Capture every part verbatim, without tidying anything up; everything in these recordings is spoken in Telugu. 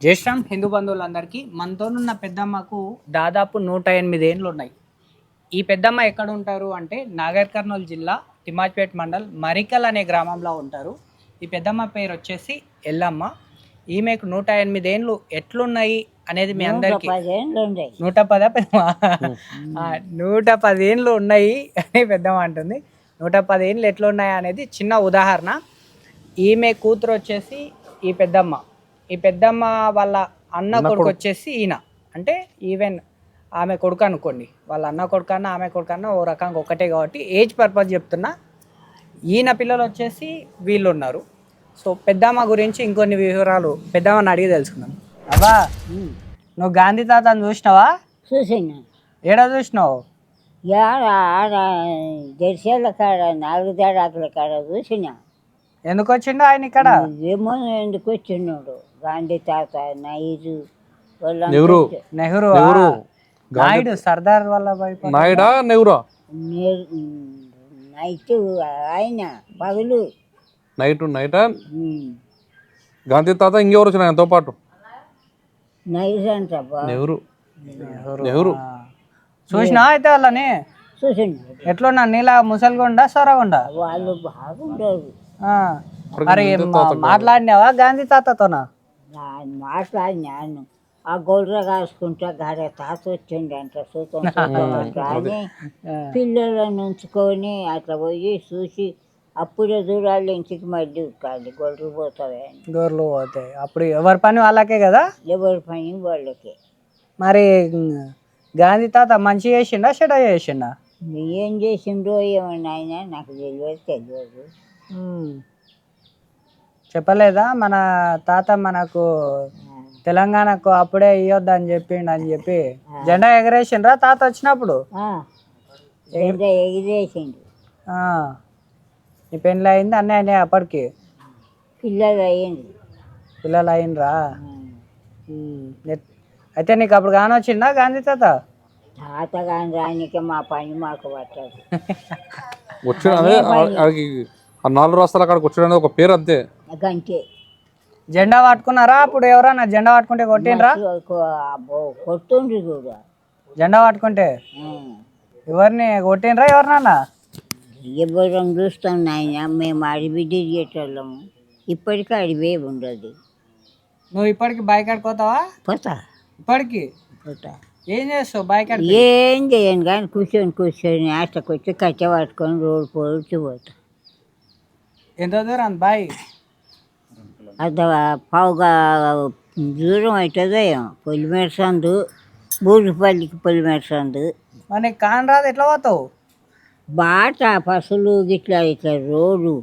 జై శ్రీరామ్ హిందూ బంధువులందరికీ. మనతోనున్న పెద్దమ్మకు దాదాపు నూట ఎనిమిది ఏళ్ళు ఉన్నాయి. ఈ పెద్దమ్మ ఎక్కడ ఉంటారు అంటే నాగర్ కర్నూలు జిల్లా తిమ్మాజ్పేట్ మండల్ మరికల్ అనే గ్రామంలో ఉంటారు. ఈ పెద్దమ్మ పేరు వచ్చేసి ఎల్లమ్మ. ఈమెకు నూట ఎనిమిది ఏళ్ళు ఎట్లున్నాయి అనేది మీ అందరికీ నూట పద నూట పది ఏళ్ళు ఉన్నాయి అని పెద్దమ్మ అంటుంది. నూట పది ఏళ్ళు ఎట్లున్నాయి అనేది చిన్న ఉదాహరణ. ఈమె కూతురు వచ్చేసి ఈ పెద్దమ్మ. ఈ పెద్దమ్మ వాళ్ళ అన్న కొడుకు వచ్చేసి ఈయన. అంటే ఈవెన్ ఆమె కొడుకు అనుకోండి, వాళ్ళ అన్న కొడుకు అన్న ఆమె కొడుకు అన్న ఓ రకంగా ఒకటే కాబట్టి ఏజ్ పర్పస్ చెప్తున్నా. ఈయన పిల్లలు వచ్చేసి వీళ్ళు ఉన్నారు. సో పెద్దమ్మ గురించి ఇంకొన్ని వివరాలు పెద్దమ్మని అడిగి తెలుసుకున్నాం. అబ్బా, నువ్వు గాంధీ తాతను చూసినావా? చూసాను. ఏడా చూసినావు? ఆడ జెర్సీల కాడ నాలుగు తేడాకుల కాడ చూసినా. ఎందుకు వచ్చిండు ఆయన ఇక్కడ? ఏమో ఎందుకు వచ్చినాడు. గాంధీ తాత నైరు నెహ్రూ నెహ్రూ నాయుడు సర్దార్ వల్లభాయ్ నాయుడా నెహ్రూ నైట్ ఆయన పగులు నైట్ నైటా గాంధీ తాత ఇంకెవరు వచ్చిన ఆయనతో పాటు? నైట్ అంట నెహ్రూ నెహ్రూ చూసినా అయితే వాళ్ళని? చూసిండు. ఎట్లున్నా నీలా ముసలిగుండా సొరగుండా? వాళ్ళు బాగుండరు. మరి మాట్లాడినావా గాంధీ తాతతోనా? మాట్లాడినాను. ఆ గొర్రె కాసుకుంటా గాడ తాత వచ్చిండు అంట సూతం అని పిల్లలను ఉంచుకొని అట్లా పోయి చూసి అప్పుడే దూరాలు ఇంటికి మళ్ళీ ఉక్కాలి. గొర్రెలు పోతావే అని. గొర్రెలు పోతాయి. అప్పుడు ఎవరి పని వాళ్ళకే కదా? ఎవరి పని వాళ్ళకే. మరి గాంధీ తాత మంచి చేసిండా చెడ చేసిండా? ఏం చేసిండో ఏమన్నా ఆయన నాకు తెలియదు తెలియదు చెప్పలేదా? మన తాత మనకు తెలంగాణకు అప్పుడే ఇవ్వద్దు అని చెప్పిండు అని చెప్పి జెండా ఎగరేసిండ్రా తాత వచ్చినప్పుడు? ఎగిరేసిండు. నీ పెళ్ళి అయింది అన్నీ అయినాయి అప్పటికి? పిల్లలు అయ్యింది. పిల్లలు అయిండ్రా? అయితే నీకు అప్పుడు కాని వచ్చిందా గాంధీ తాత? తాత కాని రానికే మా పని మాకు పట్టదు. వచ్చిన నాలుగు రాష్ట్రాల అక్కడికి వచ్చాడు ఒక పేరు అంతే. అంతే. జెండా పట్టుకున్నారా అప్పుడు? ఎవరన్నా జెండా పట్టుకుంటే కొట్టిండ్రా? కొట్టుండ్రు కూడా. జెండా పట్టుకుంటే ఎవరిని కొట్టిండ్రా ఎవరినన్నా? ఎవరం చూస్తాం నాయన. మేము అడివి తిరిగేటోళ్ళము. ఇప్పటికీ అడివే ఉండదు. నువ్వు ఇప్పటికి బైక్ ఆడుకోతావా? పోతా. ఇప్పటికి పోతా. ఏం చేస్తావు బైక్ ఆడు? ఏం చేయను కానీ కూర్చొని కూర్చొని ఆటకొచ్చి కట్టె పట్టుకొని రోడ్డు పోల్చి పోతా. ఎంత దూరం బాయ్? అది పావుగా దూరం అవుతుందో ఏమో. పొలిమేర సందు, బూరుపల్లికి పొలిమేర సందు. మరి నీకు కాని రాదు, ఎట్లా పోతావు? బాట పసులు గిట్లా ఇట్లా రోడ్డు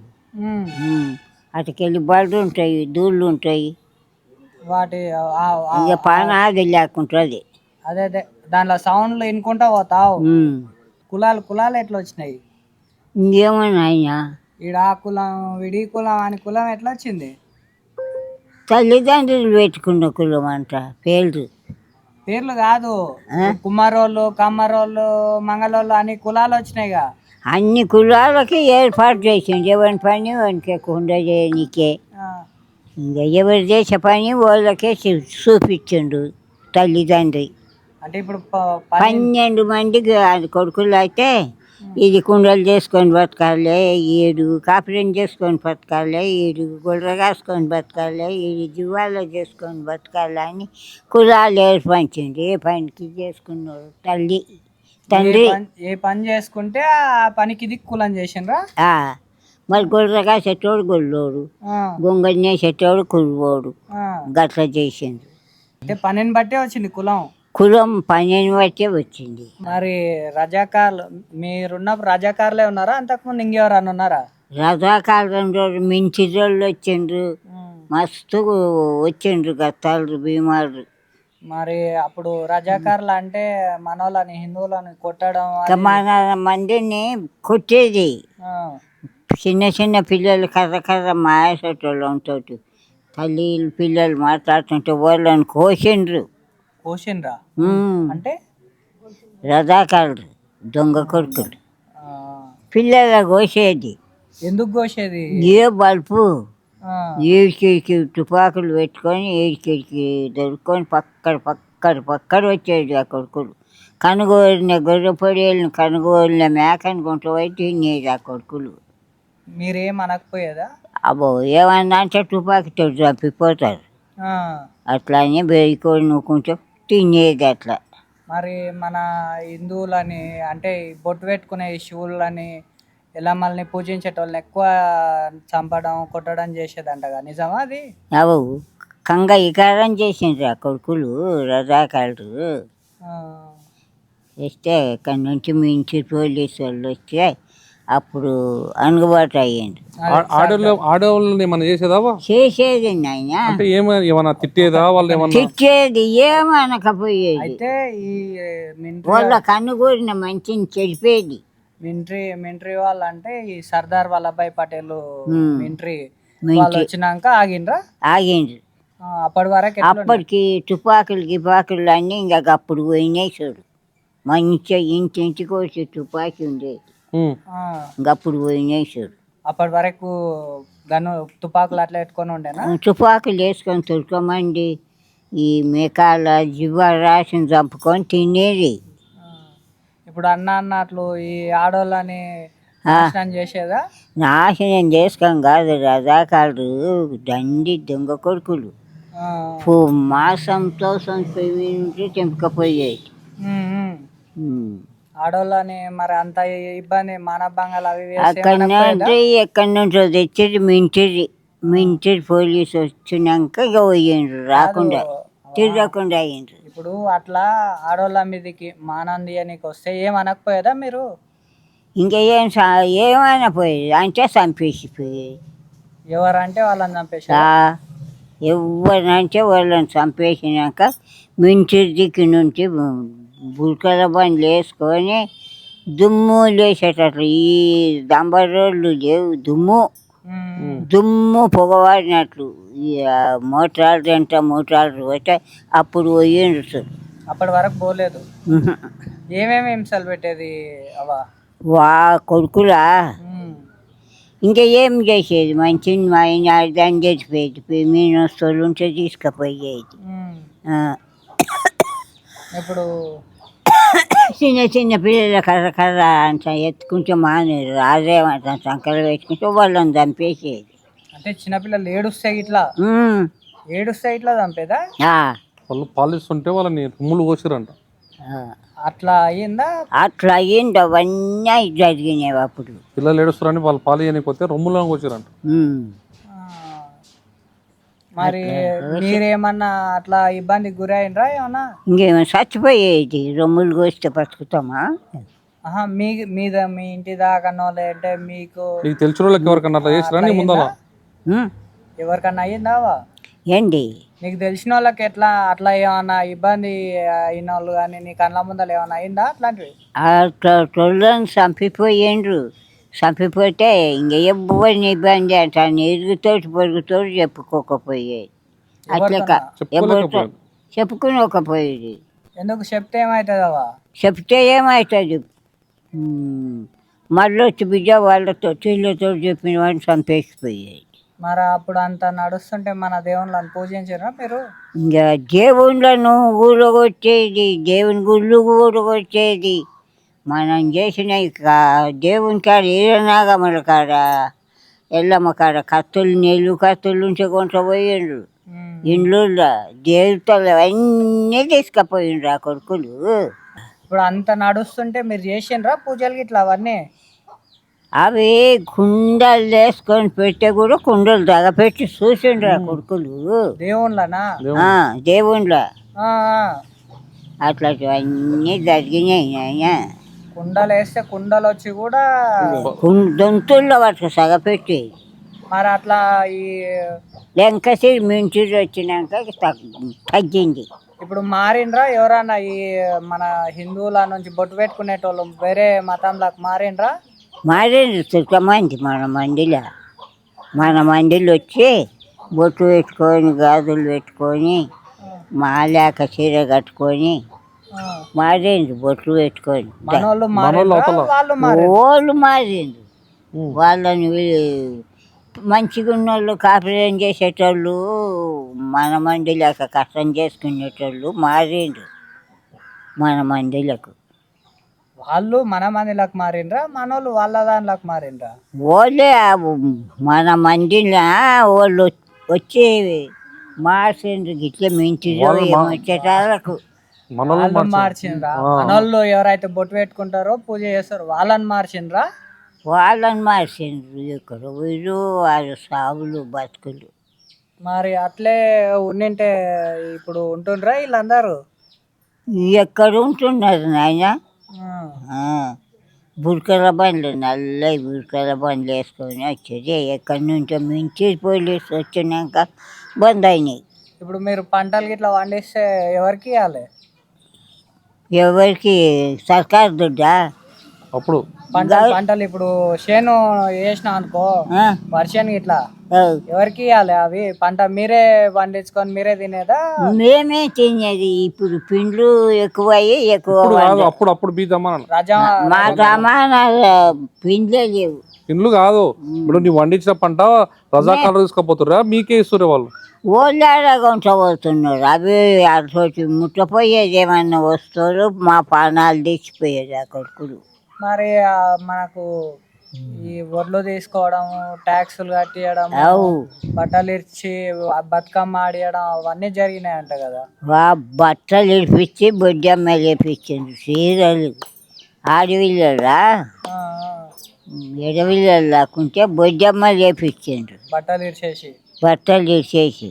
అటుకెళ్ళి బళ్ళు ఉంటాయి, దూళ్ళు ఉంటాయి. వాటి ఇక పానాది లేకుంటుంది. అదే అదే దాంట్లో సౌండ్లు వినుకుంటా పోతావు. కులాలు కులాలు ఎట్లా వచ్చినాయి? ఇంకేమన్నా అయినా ఈడ ఆ కులం విడి కులం అని కులం ఎట్లా వచ్చింది? తల్లిదండ్రులు పెట్టుకున్న కులం అంట పేర్లు. పేర్లు కాదు, కుమారోళ్ళు కమ్మరోళ్ళు మంగళోళ్ళు అని కులాలు వచ్చినాయిగా. అన్ని కులాలకి ఏర్పాటు చేసిండు. ఎవరి పని వానికి కుండా చేయనికే. ఇంకా ఎవరు చేసే పని వాళ్ళకే చూపించిండు తల్లిదండ్రి. అంటే ఇప్పుడు పన్నెండు మందికి కొడుకులు అయితే ఇది కుండలు చేసుకొని బతకాలి, ఏడు కాపురం చేసుకొని బతకాలి, ఏడు గొర్రె కాసుకొని బతకాలి, ఏడు జీవాలు చేసుకొని బతకాలి అని కులాలు ఏర్పంచింది. ఏ పనికి చేసుకున్నారు తల్లి తండ్రి. ఏ పని చేసుకుంటే ఆ పనికి ఇది కులం చేసిండ్రా? మరి గొర్రె కాసేటోడు గొల్లోడు, గొంగళి వేసేటోడు కురువోడు, గట్ల చేసిండు. అంటే పనిని బట్టే వచ్చింది కులం. కులం పనిని బట్టే వచ్చింది. మరి రజాకార్లు మీరున్నప్పుడు రజాకార్లే ఉన్నారా? అంతకుముందు ఇంకెవరన్నా ఉన్నారా? రజాకాలం రోజు మించి రోజులు వచ్చిండ్రు. మస్తు వచ్చిండ్రు గత్తాలు భీమాలు. మరి అప్పుడు రజాకార్లు అంటే మనోళ్ళని హిందువులని కొట్టడం, మన మందిని కొట్టేది. చిన్న చిన్న పిల్లలు కర్ర కర్ర మాయేసేటోళ్ళంతో తల్లి పిల్లలు మాట్లాడుతుంటే వాళ్ళని కోసిండ్రు. కోసిండ్రా? అంటే రజాకారులు దొంగ కొడుకులు పిల్లల కోసేది. ఎందుకు కోసేది? ఏ బల్పు ఆ, ఈడికి తుపాకులు పెట్టుకొని ఈడికి దొరుకుకొని పక్కన పక్కన పక్కన వచ్చేది ఆ కొడుకులు. కనుగోలిన గొర్రె పొడియలను కనుగోలిన మేకని గుంట పోయి తినేది ఆ కొడుకులు. మీరేం అనకపోయేదా? అబ్బో ఏమన్నా అంటే తుపాకీతో చంపిపోతారు. ఆ, అట్లా అని బెరికోడి నూకుంటూ తినేది అట్లా. మరి మన హిందువులని అంటే ఈ బొట్టు పెట్టుకునే ఈ శివులని ఎల్లమ్మల్ని పూజించేటోళ్ళని ఎక్కువ చంపడం కొట్టడం చేసేదంటగా, నిజమా అది? అవు కంగ ఇకారం చేసిండ్రు ఆ కొడుకులు రజాకారులు. ఆ, వస్తే ఇక్కడి నుంచి మించి పోలీసు వాళ్ళు వస్తే అప్పుడు అందుబాటు అయ్యింది. ఆడవాళ్ళు ఆడవాళ్ళని ఏమన్నా చేసేదావా? చేసేది నాయన, అంటే ఏమైనా ఏమన్నా తిట్టేదా వాళ్ళు ఏమన్నా? తిట్టేది ఏమనకపోయేది. అయితే ఈ మిలిటరీ వాళ్ళ కన్నుగూరిన మంచిని చెడిపేది. మిలిటరీ మిలిటరీ వాళ్ళు అంటే ఈ సర్దార్ వల్లభాయ్ పటేల్ ఉమ్. Military military. వాళ్ళు వచ్చినాక ఆగిండ్రా? ఆగిండ్రు. ఆ, అప్పటి వరకు ఎట్లుండే? అప్పటికి తుపాకులు గిపాకులు అన్నీ ఇంకా అప్పుడు పోయినాయి చూడు. మంచిగా ఇంటింటికి వచ్చి తుపాకీ ఉండేది. ఉమ్. ఆ, ఇంకప్పుడు పోయినాయి చూడు. అప్పటి వరకు గన్ను తుపాకులు అట్లా పెట్టుకొని ఉండేనా? తుపాకులు వేసుకొని తురుకోమండి ఈ మేకాల జివ్వ రాసిన చంపుకొని తినేది. ఆ, ఇప్పుడు అన్న అన్నట్లు ఈ ఆడోళ్ళని నాశనం చేసేదా? నాశనం చేసుకొని కాదు రజాకారులు దండి దొంగ కొడుకులు. ఆ, పో మాసంతో సంపి తెంపకపోయేది. ఉమ్, ఉమ్. ఉమ్. ఆడోళ్ళని మరి అంత ఇబ్బంది మానభంగాలు అవి ఇవి చేస్తే అక్కడి ఏమనకపోయేదా? నుండి ఎక్కడి నుంచో తెచ్చేది మింటిది. మింటిది పోలీసు వచ్చినాక ఇక పోయిండ్రు, రాకుండా తిరగకుండా అయ్యిండ్రు. ఇప్పుడు అట్లా ఆడోళ్ళ మీదకి మానం తీయనీకి వస్తే ఏమనకపోయేదా మీరు? ఇంకా ఏం సా- ఏమైనా పోయేది అంటే చంపేసిపోయేది. ఎవరంటే వాళ్ళని చంపేసి ఎవరినంటే వాళ్ళని చంపేసినాక మించి దిక్కు నుంచి బురకల బండ్లు వేసుకొని దుమ్ము లేచేటట్లు ఈ డంబర్ రోడ్లు లేవు, దుమ్ము దుమ్ము పొగవాడినట్లు ఈ మోటార్లు ఎంత మోటార్లు పోతే అప్పుడు పోయిండ్రు సార్. అప్పటి వరకు పోలేదు. ఏమేమి హింసలు పెట్టేది అవా? వా కొడుకులా ఉమ్. ఇంకా ఏం చేసేది, మంచిని మా ఆయన దాన్ని తెచ్చిపోయేది, మీన వస్తువులు ఉంటే తీసుకుపోయేది. ఉమ్. ఆ. ఇప్పుడు చిన్న చిన్న పిల్లల కర్ర కర్ర అంత ఎత్తుకుంటే మానే రాజేమంట సంకలు పెట్టుకుంటే వాళ్ళని చంపేసేది. అంటే చిన్నపిల్లలు ఏడుస్తే ఇట్లా ఉమ్. ఏడుస్తే ఇట్లా చంపేదా? ఆ. వాళ్ళు పాలిస్తుంటే వాళ్ళని రుమ్ములు పోసిరంట. ఆ. అట్లా అయ్యిందా? అట్లా అయ్యింది, అవన్నీ జరిగినాయి అప్పుడు. పిల్లలు ఏడుస్తారని వాళ్ళు పాలు చేయకపోతే రొమ్ములను వచ్చిరంట. ఉమ్. ఆ, మరి మీరేమన్నా అట్లా ఇబ్బందికి గురైనరా ఏమన్నా? ఇంకేమో చచ్చిపోయేది, రొమ్ములు కోస్తే బతుకుతామా? ఆహా, మీ మీద మీ ఇంటి దాకా అంటే మీకు నీకు తెలిసిన వాళ్ళకి ఎవరికన్నా అట్లా చేసిరా నీ ముందర? ఉమ్. ఎవరికన్నా అయ్యిందావా? ఏంటి నీకు తెలిసిన వాళ్ళకి ఎట్లా అట్లా ఏమన్నా ఇబ్బంది అయిన వాళ్ళు కానీ నీ కళ్ళ ముందర ఏమన్నా అయిందా అట్లాంటివి? అట్లా తొలని చంపిపోయిండ్రు. చంపిపోతే ఇంక ఎవరిని ఇబ్బంది అంటే ఎరుగుతోటి పొరుగుతోటి చెప్పుకోకపోయేది. అట్లా కా- ఎవరితో చెప్పుకునకపోయేది. ఎందుకు చెప్తే ఏమవుతుందవా? చెప్తే ఏమవుతుంది, మళ్ళీ వచ్చి బిడ్డ వాళ్ళతో వీళ్ళతో చెప్పిన వాడిని చంపేసిపోయేది. మరి అప్పుడు అంత నడుస్తుంటే మన దేవుళ్ళని పూజించారా మీరు? ఇంకా దేవుళ్ళను ఊరగొచ్చేది, దేవుని గుళ్ళు ఊరగొచ్చేది. మనం చేసిన ఇక దేవుని కాడ ఈరనాగమ్మల కాడ ఎల్లమ్మ కాడ కత్తులు నీళ్ళు కత్తులు ఉంటే కొంట పోయిండ్రు. ఉమ్. ఇండ్లు దేవతలు అన్నీ తీసుకుపోయిండ్రు ఆ కొడుకులు. ఇప్పుడు అంత నడుస్తుంటే మీరు చేసిండ్రా పూజలు ఇట్లా అవన్నీ? అవి కుండలు వేసుకొని పెట్టే కూడా కుండలు తగపెట్టి చూసిండ్రు ఆ కొడుకులు. దేవుళ్ళనా? ఆ, దేవుళ్ళ ఆ, ఆ. అట్లాంటివన్నీ జరిగినాయి నాయన. కుండలు వేస్తే కుండలు వచ్చి కూడా దొంతుల్లో వాటికి సగపెట్టి మరి అట్లా ఈ వెంకసి మించి వచ్చినాక తగ్గ- తగ్గింది. ఇప్పుడు మారిండ్రా ఎవరన్నా ఈ మన హిందువుల నుంచి బొట్టు పెట్టుకునేటోళ్ళు వేరే మతంలోకి మారిండ్రా? మారేది చుట్టమంది మన మందిలో. మన మందిలో వచ్చి బొట్టు పెట్టుకొని గాజులు పెట్టుకొని మాలేక చీర కట్టుకొని ఆ. మారేంది బొట్లు పెట్టుకొని మనోళ్ళు మారిండ్రా వాళ్ళు మారిండ్రా? వాళ్ళు మారింది. వాళ్ళని వీ- మంచిగా ఉన్నోళ్ళు కాపురం చేసేటోళ్ళు మన మందిలకు కష్టం చేసుకునేటోళ్ళు మారిండ్రు మన మందిలకు. వాళ్ళు మన మందిలోకి మారిండ్రా మనోళ్ళు వాళ్ళ దానిలోకి మారిండ్రా? వాళ్ళే ఆ మన మందిలో వాళ్ళు వచ్చి మార్చిండ్రు గిట్ల మించిలో వాళ్ళు మా- ఏమొచ్చేటాలకు. మనోళ్ళు వాళ్ళు మార్చారు. మార్చిండ్రా? మనోళ్ళు ఎవరైతే బొట్టు పెట్టుకుంటారో పూజ చేస్తారో వాళ్ళని మార్చిండ్రా? వాళ్ళని మార్చిండ్రు. ఇక్కడ వీళ్ళు వాళ్ళ సాగులు బతుకులు. మరి అట్లే ఉండింటే ఇప్పుడు ఉంటుండ్రా వీళ్ళందరూ? ఎక్కడ ఉంటున్నారు నాయన? ఆ. బురకల బండ్లు నల్ల బురకల బండ్లు వేసుకొని వచ్చేది. ఎక్కడి నుంచో మించి పోలీసు వచ్చినాక బంద్ అయినాయి. ఇప్పుడు మీరు పంటలు గిట్లా పండిస్తే ఎవరికి ఇవ్వాలి? ఎవరికి? సర్కారు దుడ్డా? అప్పుడు పంటలు పంటలు ఇప్పుడు చేను వేసినా అనుకో ఆ, వర్షానికి ఇట్లా ఆ. ఎవరికి ఇవ్వాలి అవి? పంట మీరే పండించుకొని మీరే తినేదా? మేమే తినేది. ఇప్పుడు పిండ్లు ఎక్కువయ్యి ఎక్కువ ఇప్పుడు కాదు, అప్పుడు అప్పుడు బీదమ్మా రాజా మా రమానా పిండ్లే లేవు. ఇండ్లు కాదు. ఇప్పుడు నీ వండించిన పంట రజాకాలు తీసుకుపోతుర్రా మీకే ఇస్తుర్రే వాళ్ళు? ఓళ్ళాడగా ఉంచబోతున్నారు. అవి అటు ముట్టపోయేది ఏమన్నా వస్తువులు మా పానాలు తెచ్చిపోయేది ఆ కొడుకులు. మరి ఆ మనకు ఈ వడ్లు తీసుకోవడం, ట్యాక్సులు కట్టియడం, అవు బట్టలు ఇచ్చి ఆ బతుకమ్మ ఆడియడం అవన్నీ జరిగినాయంట కదా? వా బట్టలు ఇడిపించి బొడ్డమ్మ లేపించిండ్రు. చీరలు ఆడవిల్లరా ఆ, ఆ. ఎడవిల్లలు లేకుంటే బొడ్డమ్మ లేపించిండ్రు. బట్టలు ఇచ్చేసి బట్టలు ఇచ్చేసి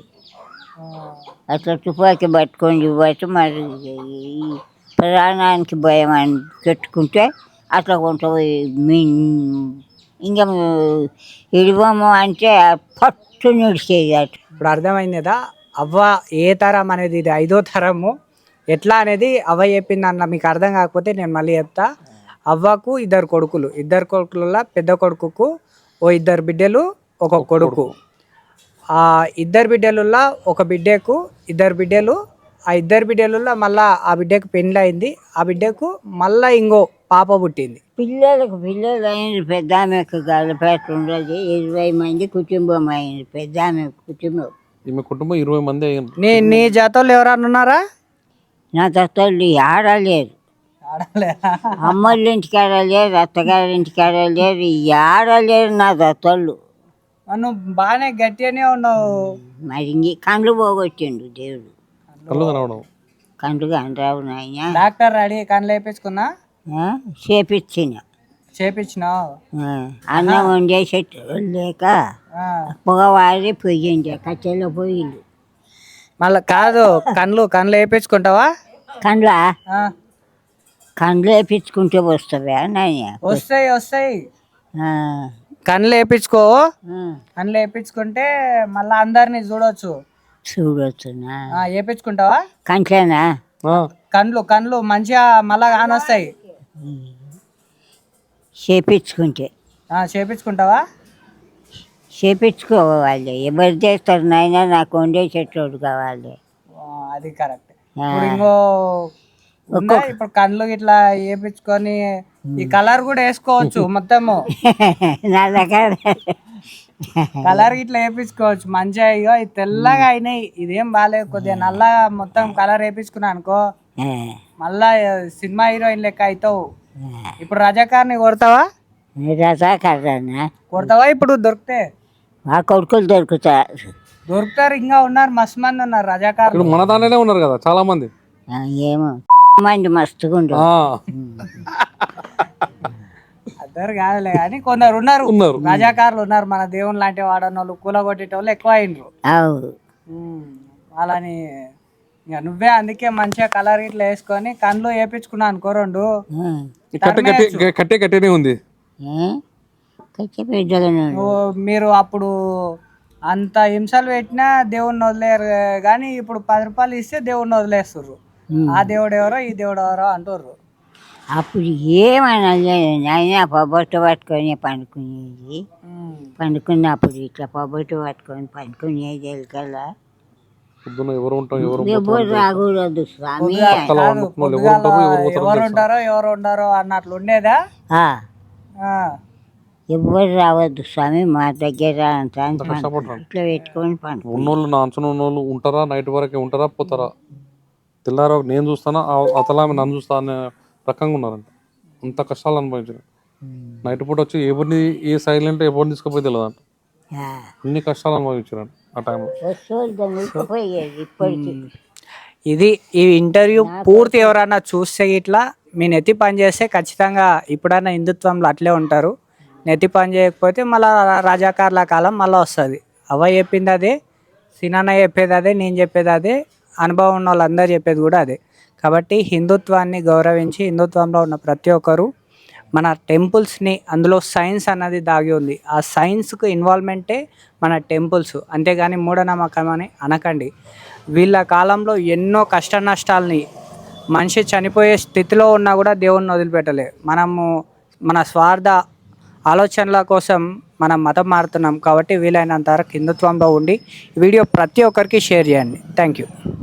అట్లా తుపాకీ పట్టుకొని బట్టి మరి ఈ ప్రాణానికి భయం అని పెట్టుకుంటే అట్లా కొంత మీ ఇంకా ఇడివము అంటే పట్టు నిడిచేది అటు. ఇప్పుడు అర్థమైంది కదా అవ్వ ఏ తరం అనేది? ఇది ఐదో తరము. ఎట్లా అనేది అవ్వ చెప్పింది అన్న. మీకు అర్థం కాకపోతే నేను మళ్ళీ చెప్తా. అవ్వకు ఇద్దరు కొడుకులు. ఇద్దరు కొడుకులలో పెద్ద కొడుకుకు ఓ ఇద్దరు బిడ్డలు ఒక కొడుకు. ఆ ఇద్దరు బిడ్డలలో ఒక బిడ్డకు ఇద్దరు బిడ్డలు. ఆ ఇద్దరు బిడ్డలలో మళ్ళా ఆ బిడ్డకు పెళ్ళి అయింది. ఆ బిడ్డకు మళ్ళా ఇంకో పాప పుట్టింది. పిల్లలకు పిల్లలు అయిన పెద్ద ఆమెకు గలపేట ఉండదు. ఇరవై మంది కుటుంబం అయింది. పెద్ద ఆమె కుటుంబం. ఈమె కుటుంబం ఇరవై మంది అయ్యింది. నీ నీ జాతోళ్ళు ఎవరన్నా ఉన్నారా? నా తల్లి ఆడలేరు. ఆడలేరా? అమ్మోళ్ళ ఇంటికి ఆడలేరు, అత్తగారి ఇంటికి ఆడలేరు, ఆడలేరు నా దత్తోళ్ళు. నువ్వు బాగానే గట్టిగానే ఉన్నావు. మరి ఇంక కండ్లు పోగొట్టిండు దేవుడు. కళ్ళు కనవడం. కండ్లు కండ్రావు నాయన. డాక్టర్ రెడీ కళ్ళు వేపించుకున్నా చేపించిన. చేపించినావు? అన్నం వండేసేట్టు లేక పొగవారి పొయ్యిండే కట్టెలో పొయ్యిండు. మళ్ళా కాదు, కళ్ళు కళ్ళు వేపించుకుంటావా? కండ్ల ఆ, కండ్లు వేపించుకుంటే వస్తావా నాయన? వస్తాయి వస్తాయి. ఆ, కళ్ళు వేపించుకో. ఆ, కళ్ళు వేపించుకుంటే మళ్ళా అందరినీ చూడొచ్చు. చూడొచ్చునా? ఆ, వేపించుకుంటావా? కంట్లేనా? కండ్లు కండ్లు మంచిగా మళ్ళా కానొస్తాయి. చేపించుకుంటే ఆ, చేపించుకుంటావా? చేపించుకోవాలి. ఎవరు చేస్తారు నాయన? నాకు వండేసేటోడు కావాలి. ఆ, అది కరెక్ట్. ఇప్పుడు ఇంకో ఉందా? ఇప్పుడు కళ్ళు ఇట్లా వేపించుకొని ఈ కలర్ కూడా వేసుకోవచ్చు మొత్తము. నా దగ్గర కలర్ ఇట్లా వేపించుకోవచ్చు మంచిగా. ఇగో ఇది తెల్లగా అయినాయి, ఇదేం బాగాలేదు, కొద్దిగా నల్లగా మొత్తం కలర్ వేపించుకున్నా అనుకో మళ్ళా సినిమా హీరోయిన్ లెక్క అవుతావు. ఇప్పుడు రజాకార్ని కొడతావా? రజాకర్రనా? కొడతావా ఇప్పుడు దొరికితే? ఆ కొడుకులు దొరుకుతా దొరుకుతారు, ఇంకా ఉన్నారు, మస్తు మంది ఉన్నారు రజాకార్లు. మన దాంట్లోనే ఉన్నారు కదా చాలా మంది. ఏమో మంది మస్తుగా ఉండరు. ఆ, అందరు కాదులే కానీ కొందరు ఉన్నారు ఉన్నారు. రజాకారులు ఉన్నారు. మన దేవుని లాంటి వాడన్న వాళ్ళు కూల కొట్టేటోళ్ళు ఎక్కువ అయినరు. అవు వాళ్ళని ఇక నువ్వే అందుకే మంచిగా కలర్ ఇట్లా వేసుకొని కళ్ళు వేపించుకున్నా అనుకో రెండు. ఈ కట్టె కట్టే కట్టే కట్టేనే ఉంది. కచ్చి బిడ్డలను నువ్వు మీరు అప్పుడు అంత హింసలు పెట్టినా దేవుణ్ణి వదిలేరు, కానీ ఇప్పుడు పది రూపాయలు ఇస్తే దేవుణ్ణి వదిలేస్తుర్రు. ఆ దేవుడు ఎవరో ఈ దేవుడు ఎవరో అంటుర్రు. అప్పుడు ఏమన్నా నాయన పొబ్బొట్టు పట్టుకొని పండుకునేది. పండుకున్నప్పుడు ఇట్లా పొబ్బొట్టు పట్టుకొని పండుకునేది ఎలకల్లా. పొద్దున ఎవరు ఉంటాం ఎవరు ఎవరు రాకూడదు స్వామి. పొద్దుగాల ఎవరు ఉంటారో ఎవరు ఉండరో అన్నట్లు ఉండేదా? ఆ, ఆ. ఎవ్వరు రావద్దు స్వామి మా దగ్గర అంత అని పండు. కష్టపడతారు ఇట్లా పెట్టుకొని పండు. ఉన్నోళ్ళు నా అంచున ఉన్నోళ్ళు ఉంటారా నైట్ వరకే ఉంటారా పోతారా తెల్లార నేను చూస్తానా అతలా ఆమె నన్ను చూస్తా అనే రకంగా ఉన్నారంట అంత కష్టాలు అనుభవించారు నైట్ పూట వచ్చి ఎవరిని ఏ సైలెంట్ ఎవరిని తీసుకుపోయి తెలియదంట ఆ, అన్ని కష్టాలు అనుభవించారంట ఆ టైంలో వస్తువులు దొంగలిపోయేది ఇప్పటికి. ఇది ఈ ఇంటర్వ్యూ పూర్తి ఎవరన్నా చూస్తే ఇట్లా మీ నెత్తి పని చేస్తే ఖచ్చితంగా ఇప్పుడన్నా హిందుత్వంలో అట్లే ఉంటారు. నెత్తి పని చేయకపోతే మళ్ళీ రాజాకార్ల కాలం మళ్ళీ వస్తుంది. అవ్వ చెప్పింది అదే, సినాన్న చెప్పేది అదే, నేను చెప్పేది అదే, అనుభవం ఉన్న వాళ్ళందరూ చెప్పేది కూడా అదే. కాబట్టి హిందుత్వాన్ని గౌరవించి హిందుత్వంలో ఉన్న ప్రతి ఒక్కరు మన టెంపుల్స్ని, అందులో సైన్స్ అన్నది దాగి ఉంది, ఆ సైన్స్కు ఇన్వాల్వ్మెంటే మన టెంపుల్స్. అంతేగాని మూఢనమ్మకం అని అనకండి. వీళ్ళ కాలంలో ఎన్నో కష్ట నష్టాలని, మనిషి చనిపోయే స్థితిలో ఉన్నా కూడా దేవుణ్ణి వదిలిపెట్టలే. మనము మన స్వార్థ ఆలోచనల కోసం మనం మతం మారుతున్నాం. కాబట్టి వీలైనంత వరకు హిందుత్వంలో ఉండి వీడియో ప్రతి ఒక్కరికి షేర్ చేయండి. Thank you.